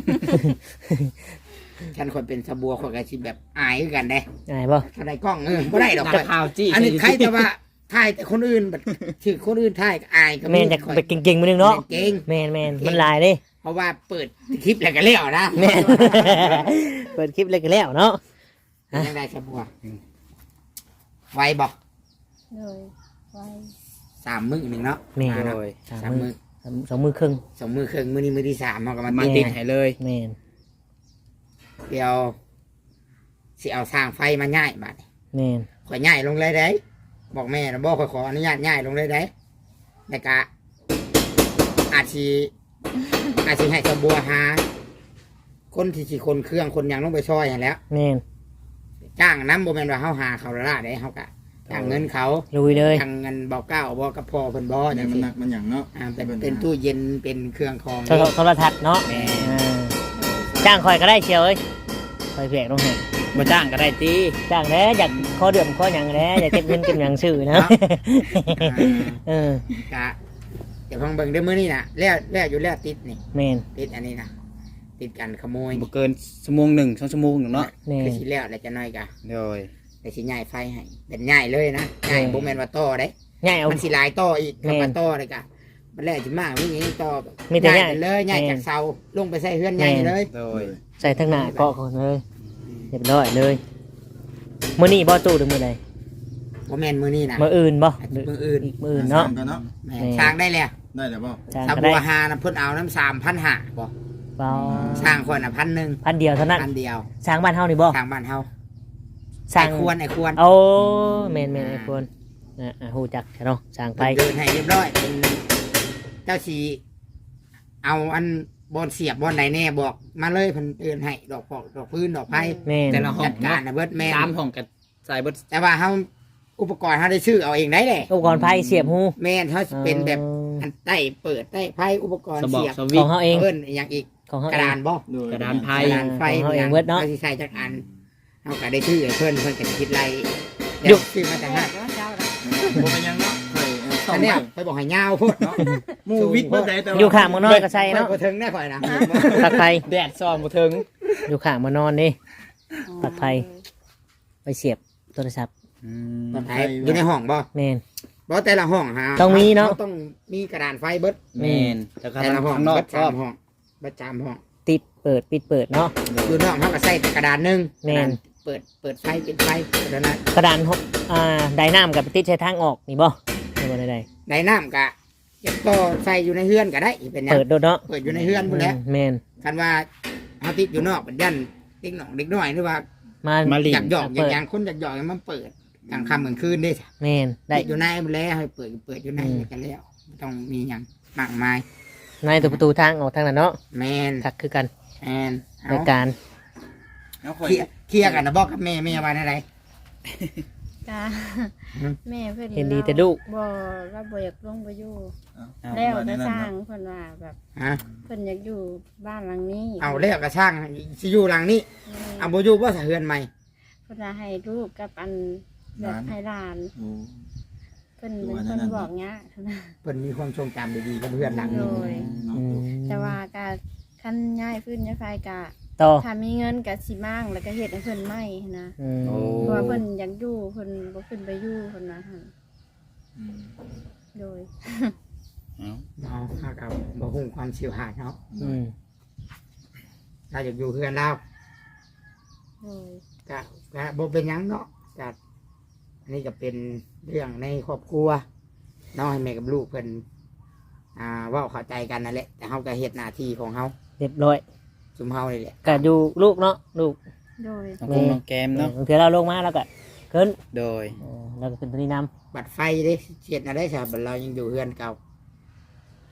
Speaker 3: ฉันคนเป็นสะบัวคนกระชิแบบอายคือกันเด้
Speaker 2: อายบ่
Speaker 3: ถ้าได้กล้องบ่ได้ดอก
Speaker 4: จะข่าวจี้
Speaker 3: อันนี้ใครแต่ว่าถ่ายแต่คนอื่นแบบถือคนอื่นถ่ายก็อายก็
Speaker 2: แม่นอยาก
Speaker 3: ข่อย
Speaker 2: ไปเก่งๆมือนึงเนาะ
Speaker 3: เก่ง
Speaker 2: แม่นมันลายเด้
Speaker 3: เพราะว่าเปิดคลิปแล้วก็เลี้ยวนะ
Speaker 2: แม่น เปิดคลิปเลยก็แล้วเนาะ
Speaker 3: ยังได้สะบัวไวบ่
Speaker 1: เลยไว้
Speaker 3: 3 มื้อหนึงเนาะ
Speaker 2: แม่น
Speaker 3: เนาะ
Speaker 4: โดย
Speaker 2: สาม
Speaker 3: สาม
Speaker 2: มื
Speaker 3: มื้
Speaker 2: อ
Speaker 3: อ
Speaker 2: สองมือครึ่ง
Speaker 3: 2 มื้อครึ่งมื้อนี้มื้อที่3เฮาก็มา
Speaker 4: มา
Speaker 3: ติ
Speaker 4: ติ
Speaker 3: ด
Speaker 4: ดให้เลย
Speaker 2: แม่น
Speaker 3: เดี๋ยวสิเอาสร้างไฟมาง่ายบัดนี้
Speaker 2: แม่น
Speaker 3: ข่อยง่ายลงเลยได้บอกแม่นะบอกข่อยขออนุญาตง่ายลงเลยได้แต่กะอาชีให้สะบัวหาคนที่สิคนเครื่องคนหยังลงไปช่วยอย่างแหล้ว
Speaker 2: แม่น
Speaker 3: จ้างน้ำบ่แม่นว่าเฮาหาเขาละล่าได้เฮากะจ้างเงินเขา
Speaker 2: ลุยเลย
Speaker 3: จ้างเงินเบาเก้าบ่กับพ่อเพิ่นบ่
Speaker 5: เนี่
Speaker 3: จั
Speaker 5: ย
Speaker 3: ง
Speaker 5: มัน
Speaker 3: ซี่
Speaker 5: หนักมันหยังเนาะ
Speaker 3: เป็นตู้เย็นเป็นเครื่องคอง
Speaker 2: โทรทัศน์เนาะจ้างคอยก็ได้เชียวเอ้ยคอยเพียกลงให้
Speaker 4: มาจ้างก็ได้ตี
Speaker 2: จ้างแล้วอยากข้อเดือมข้อหยังแล้วอยากเก็บเงินเก็บหยังซื้อนะเออก
Speaker 3: ะเดี๋ยวฟังเบิ่งเด้อมื้อนี้น่ะแล้วอยู่แล้วติดนี่
Speaker 2: แม่น
Speaker 3: ติดอันนี้นะติดกันขโมย
Speaker 4: บ่เกินชั่วโมง1 2ชั่วโมงหนึ่งเนาะ
Speaker 2: แม่น
Speaker 3: คือสิแล้วแล้วจะน้อยกะ
Speaker 4: โดย
Speaker 3: แต่สิง่ายไฟให้เป็นง่ายเลยนะง่ายบ่แม่นว่าต่อเด้
Speaker 2: ง่ายเอา
Speaker 3: มันสิหลายต่ออีก
Speaker 2: แม่น
Speaker 3: คำว่าต่อเลยกะมันแล้วสิมากวิ่งต่อแบบ
Speaker 2: มีแต่
Speaker 3: ง่าย
Speaker 2: ง่าย
Speaker 3: ไปเลยง่าย
Speaker 2: แม่น
Speaker 3: จากเสาลงไปใส่เฮือนง่ายเลย
Speaker 4: โดย
Speaker 2: ใส่ทั้งหน้าเกาะก่อนเลยเรียบร้อยเลยมื้อนี้บ่ตู้หรือมื้อใด
Speaker 3: บ่แม่นมื้อนี้นะ
Speaker 2: มื้ออื่นบ่
Speaker 3: มื้ออื่น
Speaker 2: อีกมื้ออื่นเนาะ
Speaker 5: กันเนาะ
Speaker 3: แม่น
Speaker 2: แม่น
Speaker 3: สร้างได้แล้ว
Speaker 5: ได้แล้วบ่
Speaker 2: จ้าง
Speaker 3: ถ้า
Speaker 2: ก็
Speaker 3: บั
Speaker 2: ได้
Speaker 3: วหานะเพิ่นเอาน้ำ3,500บ่
Speaker 2: เปล่า
Speaker 3: สร้างคนน่ะ1,000
Speaker 2: พันเดียวเท่านั้น
Speaker 3: พันเดียว
Speaker 2: สร้างบ้านเฮานี่บ่
Speaker 3: สร้างบ้านเฮา
Speaker 2: สร้าง
Speaker 3: ไอ้ควร
Speaker 2: โอ้แม่นไอ้คนฮู้จักใช่เนาะสร้างไป
Speaker 3: เดินให้เรียบร้อยเป็นเจ้าสีเอาอันบอลเสียบบอลไหนแน่บอกมาเลยเพิ่นเดินให้ดอกปอกดอกพื้นดอกไผ่
Speaker 2: แม่น
Speaker 4: แต่ละห้อง
Speaker 3: จัดการนะเบิดแม่น
Speaker 4: 3ห้องกับใส่เบิด
Speaker 3: แต่ว่าเฮาอุปกรณ์เฮาได้ซื้อเอาเองได้แหละ
Speaker 2: อุปกรณ์ไฟเสียบหู
Speaker 3: แม่นเฮาสิเป็นแบบอันใต้เปิดใต้ไพ่อุปกรณ์
Speaker 4: สบอก
Speaker 3: เสียบ
Speaker 4: สวิ
Speaker 2: ข
Speaker 4: ต
Speaker 2: อง
Speaker 4: ช์
Speaker 2: เฮาเอง
Speaker 3: เพิ่นอย่างอีก
Speaker 2: ของเฮาก
Speaker 3: ระ
Speaker 2: เอ
Speaker 3: ดาง นบ่
Speaker 5: โดย
Speaker 4: กระดานไพ่
Speaker 3: กระดานไฟ
Speaker 2: ของเฮาเองเบิดเนาะ
Speaker 3: เฮาสิใส่จักอันเฮาก็ได้ซื้อให้เพิ่นก็คิดไร
Speaker 2: หยุด
Speaker 3: ซื้อมาจากห้าง
Speaker 1: แล้วเจ้าละ
Speaker 5: บ่เป็นหยังเนาะข่อยต้อ
Speaker 3: อั
Speaker 5: ง
Speaker 3: นเนี้ย
Speaker 5: ไป
Speaker 3: ไปบอกให้ยาวโพุ่นเนาะ
Speaker 5: หมู่วิทย์เบิดได้แต่ว่า
Speaker 2: อยู่ข้างมานอนก็ใส่เนาะ
Speaker 3: บ่ถึงแน่ข่อยนะ
Speaker 2: ปลักไฟ
Speaker 4: แดดส่องบ่ถึง
Speaker 2: อยู่ข้างมานอนนี่ ปลอดภัย ไปเสียบโทรศัพท์
Speaker 3: ปลอดภัยอยู่ในห้องบ่
Speaker 2: แม่น
Speaker 3: บ่แต่ละห้องฮะ
Speaker 2: ต้องมีเนาะ
Speaker 3: ต้องมีกระดานไฟเบิด
Speaker 4: แม่นแต่ก็
Speaker 3: แต่ละห้อง
Speaker 4: ข้างนอก
Speaker 3: เบิด
Speaker 4: ก็
Speaker 3: สามห้องเบิดสามห้อง
Speaker 2: ติดเปิดปิดเปิดเนาะ
Speaker 3: อยู่นอกเขาก็ใส่แต่กระดานหนึง
Speaker 2: แม่น
Speaker 3: เปิดไฟปิดไฟเท่านั้น
Speaker 2: กระดานหกไดน้ำกับติดใช้ทางออกนี่บ่ไม่บ่ได้
Speaker 3: ในน้ำกะเก็บต่อใส่อยู่ในเฮือนก็ได้เป็นหยัง
Speaker 2: เปิดโดดเนาะ
Speaker 3: เปิดอยู่ในเฮือนพุ่นแหล้ว
Speaker 2: แม่น
Speaker 3: คันว่าเฮาติดอยู่นอกเป็นยันเด็กน้อยหรือว่า
Speaker 2: มา
Speaker 4: มาลิ
Speaker 3: อยากหยอกอย่างคนอยากหยอกให้มันเปิดกลางค่ำกลางคืนได้จ้ะ
Speaker 2: แม่นได้
Speaker 3: ติดอยู่ในมันแล้วให้เปิดอยู่ใน
Speaker 2: อืม
Speaker 3: กันแล้วไม่ต้องมีหยังมากมาย
Speaker 2: ในตัวประตูทางออกทางนั้นเนาะ
Speaker 3: แมน
Speaker 2: ทักคือกัน
Speaker 3: แมนเอา
Speaker 2: รายการ
Speaker 5: เอาข่อย
Speaker 3: เคลียร์กันนะบอกกับแม่ว่าอะไร
Speaker 1: จ้า
Speaker 3: อืม
Speaker 1: แม่เพิ่น
Speaker 2: เห็นดีแต่ลูก
Speaker 1: บ่เราบ่อยากลงไปอยู่
Speaker 5: เอา
Speaker 1: แล้ว
Speaker 5: ว่า
Speaker 1: ก็
Speaker 5: แน่
Speaker 1: ส
Speaker 5: น
Speaker 1: ร้า
Speaker 5: เนาะ
Speaker 1: งเพิ่นว่าแบบ
Speaker 3: ฮะ
Speaker 1: เพิ่นอยากอยู่บ้านหลังนี้
Speaker 3: เอาแล้วกระช่างสิอยู่หลังนี้เอาบ่อยู่บ่สะเฮือนใหม่
Speaker 1: เพิ่นว่าให้ลูกกับอันแบบให้หลาน
Speaker 5: โอ้
Speaker 1: เพิ่นเป็นคนบอกเงี้ยนะ
Speaker 3: เพิ่นมีความทรงจำดีๆกับเพื่อนหลังนี้
Speaker 1: โดย
Speaker 5: เนาะ
Speaker 2: อืม
Speaker 1: แต่ว่าก็คันย้ายฟื้นย้ายไฟก็
Speaker 2: ต่อ
Speaker 1: ถ้ามีเงินก็สิมั่งแล้วก็เฮ็ดให้เพิ่นใหม่นะ
Speaker 2: อืม
Speaker 4: โอ้
Speaker 1: เพราะว่าเพิ่นอยากอยู่เพิ่นบ่ขึ้นไปอยู่เพิ่นว่าหั่น
Speaker 5: อืม
Speaker 1: โดย
Speaker 4: เอา
Speaker 3: เนาะเฮาก็บ่ฮู้ความสิวหาดเนาะ
Speaker 2: อืม
Speaker 3: ถ้าอยากอยู่เพื่อนเรา
Speaker 1: โดย
Speaker 3: ก็บ่เป็นหยังเนาะก็อันนี้ก็เป็นเรื่องในครอบครัวเนาะให้แม่กับลูกเพิ่นเว้าเข้าใจกันนั่นแหละแต่เฮาก็เฮ็ดหน้าที่ของเฮา
Speaker 2: เรียบร้อย
Speaker 3: ซุมเฮานี่แหละ
Speaker 2: ก็อยู่ลูกเนาะลูก
Speaker 1: โดย
Speaker 4: น้องคงน้องแกมเนาะ
Speaker 2: บางทีเราลงมาแล้วก็ขึ้น
Speaker 4: โดย
Speaker 2: แล้วก็ขึ้นตัวนี้น
Speaker 3: บัตรไฟเด้เสียดอะไรซะบัดเรายังอยู่เฮือนเก่า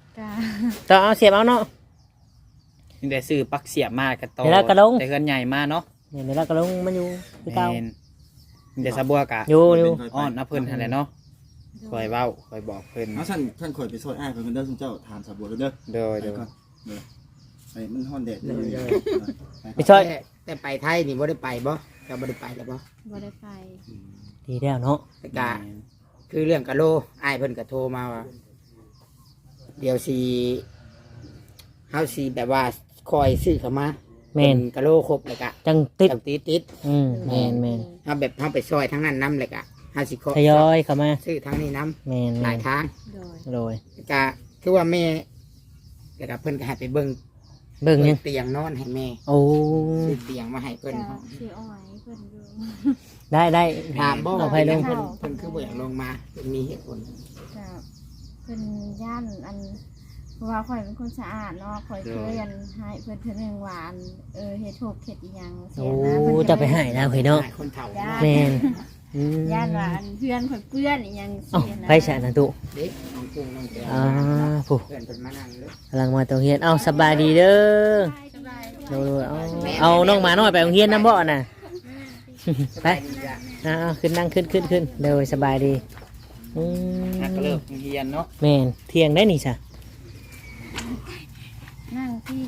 Speaker 1: กะ
Speaker 2: ต่อเอาเสียบเอาเนาะ
Speaker 4: นี่ได้ซื้อปลั๊กเสียบมากับต่อ
Speaker 2: เดี๋ยวเราก็ลง
Speaker 4: แต่เฮือนใหญ่มาเนาะ
Speaker 2: เนี่ยเดี๋ยวเราก็ลงมันอยู่คือเก่า
Speaker 4: แม่นนี่ได้สะบัวกะ
Speaker 2: อยู่
Speaker 4: อ้อนนะเพิ่นหั่นแหละเนาะคอยเว้าคอยบอกเพิ่น
Speaker 5: เอาท่านข่อยไปซอยอ้ายเพิ่นเด้อซุมเจ้าถามสาบัวเด้อ
Speaker 4: โดย
Speaker 5: ไป
Speaker 4: โดย
Speaker 5: ก่อนเด้อไอ้มันฮ้อนแดดเลย
Speaker 2: ไปช่วย
Speaker 3: แต่ไปไทยนี่บ่ได้ไปบ่ก็บ่ได้ไปแล้วบ่
Speaker 1: บ่ได้ไป
Speaker 2: ดีแล้วเนาะ
Speaker 3: แต่กะคือเรื่องกะโลอ้ายเพิ่นก็โทรมาว่า เดี๋ยวสิเฮาสิแบบว่าคอยซื้อเข้ามา
Speaker 2: แม่น
Speaker 3: กะโลครบเลยกะ
Speaker 2: จังติด
Speaker 3: จังติด
Speaker 2: แม่นแม่น
Speaker 3: เฮาแบบเฮาไปซอยทั้งนั้นนํเลยกะเฮาสิขอ
Speaker 2: ทยอยเข้ามา
Speaker 3: ซื้อทั้งนี้นํ
Speaker 2: แม่น
Speaker 3: หลายทาง
Speaker 1: โดย
Speaker 2: โดย
Speaker 3: กะคือว่าแม่แล้วก็เพิ่นก็ให้ไปเบิ่ง
Speaker 2: เบิ่งยัง
Speaker 3: เตียงนอนให้แม่
Speaker 2: โอ้
Speaker 3: ซื้อเตียงมาให้เพิ่น
Speaker 1: กะสิอ้อยเพิ่นอยู่
Speaker 2: ได้
Speaker 3: ถามบ่
Speaker 2: เอา
Speaker 3: ว่า
Speaker 2: ไปลง
Speaker 3: เพิ่นคือบ่อยากลงมาเพิ่นมีเหตุผล
Speaker 1: กะเพิ่นย่านอันเพราะว่าข่อยเป็นคนสะอาดเนาะข่อยเคยอันให้เพิ่นเทื่อหนึงว่าอันเฮ็ดโทษเฮ็ดอีหยังเสี
Speaker 2: โอ้
Speaker 1: ยนะเพิ่นก็
Speaker 2: จะไปให้แล้วเฮ้ยเนาะ
Speaker 3: ให้คนเฒ่า
Speaker 2: แม่นอืม
Speaker 1: ย่านว่าอันเพื่อนข่อยเปื้อนอีหยัง
Speaker 2: เอ้า
Speaker 1: เสียนะ
Speaker 2: ไปฉะนะตุ
Speaker 3: เด็กน้องกุ้งน้องแก้ว
Speaker 2: อ่าผู้
Speaker 3: เพื่อนเพิ่นมานั่งเลย
Speaker 2: กำลังมาตรงเฮียนเอาสบายดีเด้อดูเอาน้องหมาน้อยไปโรงเรียนน้ำบ่อน่ะ ไปเอาขึ้นนั่งขึ้นเดี๋ยวสบายดีอืม
Speaker 4: นักก็เลิกเฮียนเนาะ
Speaker 2: แม่นเที่ยงได้นี่จ้ะ
Speaker 1: นั่งที่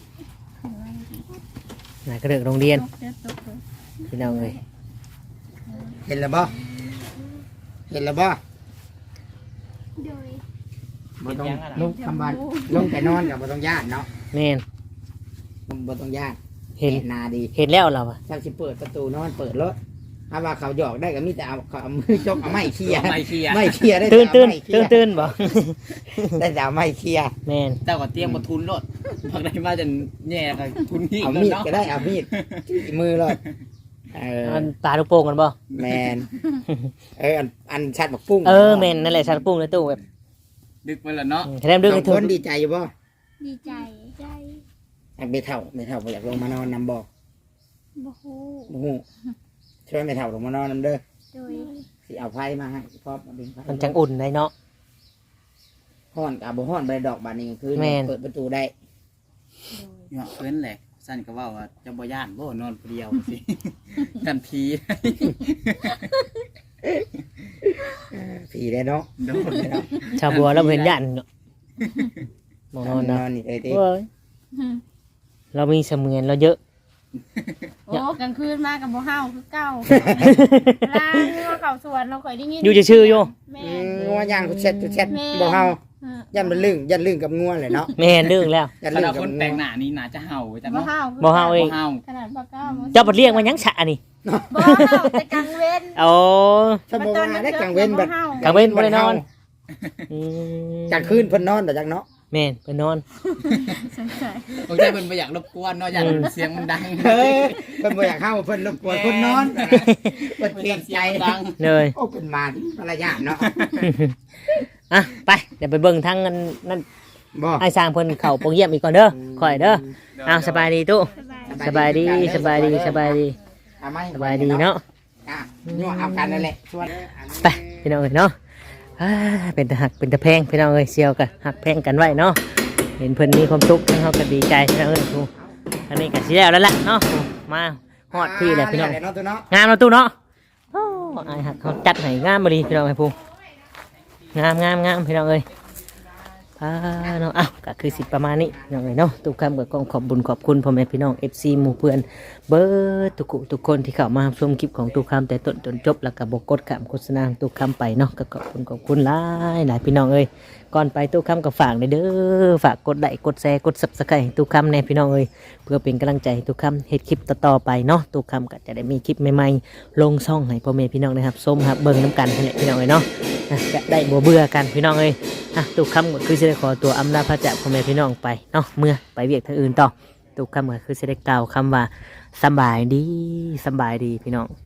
Speaker 2: น่ะก็เลิกโรงเรียน
Speaker 1: ตกเด้อตกเด้อ
Speaker 2: พี่น้องเลย
Speaker 3: เห็นแล้วบ่เห็นแล้วบ่
Speaker 1: โดย
Speaker 3: บ่ต้องลงคำบันลงไปนอนกับบ่ต้องญาติเนาะ
Speaker 2: แม่น
Speaker 3: บ่ต้องญาติ
Speaker 2: เห็น
Speaker 3: นาดี
Speaker 2: เห็นแล้วเราอะ
Speaker 3: ถ้าสิเปิดประตูนอนเปิดรถถ้าว่าเขาหยอกได้ก็มีแต่เอามือจกเอาไม้เคลียร์
Speaker 4: ไม่เคลียร์
Speaker 3: ไม่เคลียร์ได้
Speaker 2: ตื่น
Speaker 3: แต่เอาไม้เคลียร์
Speaker 2: ตื่นบ่
Speaker 3: ได้แต่เอาไม้เคลียร์
Speaker 2: แม่น
Speaker 4: เจ้าก็เตรียมมาทุนรถพักได้มาจนแย่กับทุนที่
Speaker 3: เอา
Speaker 4: แล้ว
Speaker 3: มีด
Speaker 4: เนาะ
Speaker 3: ก็ได้เอามีดจี้มือเลยเออ
Speaker 2: อันปลาลูกโป่งกันบ่
Speaker 3: แมนอันชัดบักปุ้ง
Speaker 2: แม่นนั่นแหละชัดปุ้งในตู้แบบ
Speaker 4: ดึกไปแล้วเนาะ
Speaker 2: แถมดึง
Speaker 3: สอ
Speaker 2: ให้
Speaker 3: ง
Speaker 2: ถึ
Speaker 3: ค
Speaker 2: ง
Speaker 3: นดีใจอยู่บ่
Speaker 1: ดีใจใจ
Speaker 3: ไม่เท่าบ่อยากลงมานอนนำบ่
Speaker 1: บ่ฮู้
Speaker 3: บ่ฮู้ช่วยไม่เท่าลงมานอนนำเด้อ
Speaker 1: โดย
Speaker 3: สิเอาไพ่มาให้พร้อมเอาดึงไพ่
Speaker 2: มันจังอุ่นได้เนาะ
Speaker 3: ฮ้อนกับบ่ฮ้อนใบดอกบานนี้คือ
Speaker 2: แม่น
Speaker 3: เปิดประตูได้
Speaker 4: เนาะเพิ่นแหละสั้นก็ว่าจะบ่ย่านบ่นอนผู้เดียวสิ ทันที
Speaker 3: ผีได้เนาะ
Speaker 4: โดน
Speaker 3: เนาะ
Speaker 2: ชาวบัวเราเห็นยันเนาะมองนอน
Speaker 3: น
Speaker 2: เนาะ
Speaker 3: อนนี่เอ้ยติ
Speaker 2: เว้ยเรามีเสมือนเราเยอะ
Speaker 1: โอ้กลางคืนมากับบ่เฮาคือเก่าลางงัวเก่าสวนเราค่อยได้ยิน
Speaker 2: อยู่จะชื่ออยู่
Speaker 1: แม่
Speaker 3: งัวย่างกูเช็ดบ่เฮายันมันลึงยันลึงกับงัวเลยเนาะ
Speaker 2: แม่นดึงแล้ว
Speaker 3: ยัน
Speaker 4: ถ้า
Speaker 3: ลึง
Speaker 4: เรา
Speaker 3: กับ
Speaker 4: คน
Speaker 3: งั
Speaker 4: แต่ง
Speaker 3: ว
Speaker 4: หน้านี่น่าจะเห่าจัง
Speaker 1: บ่
Speaker 4: เนาะ
Speaker 1: เฮา
Speaker 2: บ่เฮาเอง
Speaker 4: บ่เห่า
Speaker 1: ขนาดปลาก้า
Speaker 2: เจ้าบทเรียกมันยังฉะนี่
Speaker 1: บ่เฮาแต่กลางเว้น
Speaker 2: โอ้
Speaker 3: ถ้าบ่ว่าได้กลางเว้นแบบ
Speaker 2: กลางเว้นบ่ได้นอนอืม
Speaker 3: กลางคืนเพิ่นนอนแต่จักเนาะ
Speaker 2: แม่นไปนอน
Speaker 1: สงสัย
Speaker 4: บางทีเพิ่นบ่อยากรบกวนเนาะอยากเสียงมันดัง
Speaker 3: เฮ้ยเพิ่นบ่อยากเข้าเพิ่นรบกวนเพิ่นนอนเพิ่น
Speaker 4: เพิ่น
Speaker 3: เกร
Speaker 4: อยาง กเสี
Speaker 3: ใจ
Speaker 4: ยงมันดัง
Speaker 2: เลย
Speaker 3: โอ้เป็นมาภรรยาเนาะ
Speaker 2: อ่ะไปเดี๋ยวไปเบิ่งทั้งนั่น
Speaker 3: บ่
Speaker 2: ไอ้สร้างเพิ่นเข้าโปงเยี่ยมอีกก่อนเด้อข่อยเด้อเอาสบายดีตู้สบายดีสบายดี
Speaker 3: เอาไหม
Speaker 2: สบายดีเนาะ
Speaker 3: อ่ะยั่วเอากันนั่นแหละชวน
Speaker 2: ไปพี่น้องเอ้ยเนาะอ่าเป็นตะหักเป็นตะแพงพี่น้องเอ้ยเชียวกันหักแพงกันไว้เนาะเห็นเพิ่นมีความสุขทั้งเฮาก็ดีใจพี่น้องเอ้ยทูอันนี้ก็สิแล้วล่ะเนาะมาฮอดพี่แหละพี่น้อง
Speaker 3: เนาะตัวเนาะ
Speaker 2: งามเนาะตู้เนาะโอ้ไอ้หักเขาจัดให้งามบ่ดีพี่น้องไอ้พูงามพี่น้องเอ้ยเนาะอ้าวก็คือสิประมาณนี้พี่น้องเอ้ยเนาะทุกคำก็ขอบบุญขอบคุณพ่อแม่พี่น้อง FC หมู่เพื่อนเบิร์ดทุกคนที่เข้ามาชมคลิปของตุกคำแต่ต้นจนจบแล้วก็บกดคำโฆษณาของตุกคำไปเนาะก็ขอบคุณหลายพี่น้องเอ้ยก่อนไปตุกคำก็ฝากเด้อฝากกดไลค์กดแชร์กด Subscribe ให้ตุกคำแน่พี่น้องเอ้ยเพื่อเป็นกำลังใจให้ตุกคำเฮ็ดคลิปต่อๆไปเนาะตุกคำก็จะได้มีคลิปใหม่ๆลงช่องให้พ่อแม่พี่น้องนะครับชมครับเบิ่งน้ำกันนี่พี่น้องเอ้ยเนาะจะได้บ่เบื่อกันพี่น้องเอ้ยตุกคำก็คือจะได้ขอตัวอำลาพระจากพ่อแม่พี่น้องไปเนาะเมื่อไปเวียกทางอื่นต่อตุกคำก็คือจะได้กล่าวคำว่าสบายดีพี่น้อง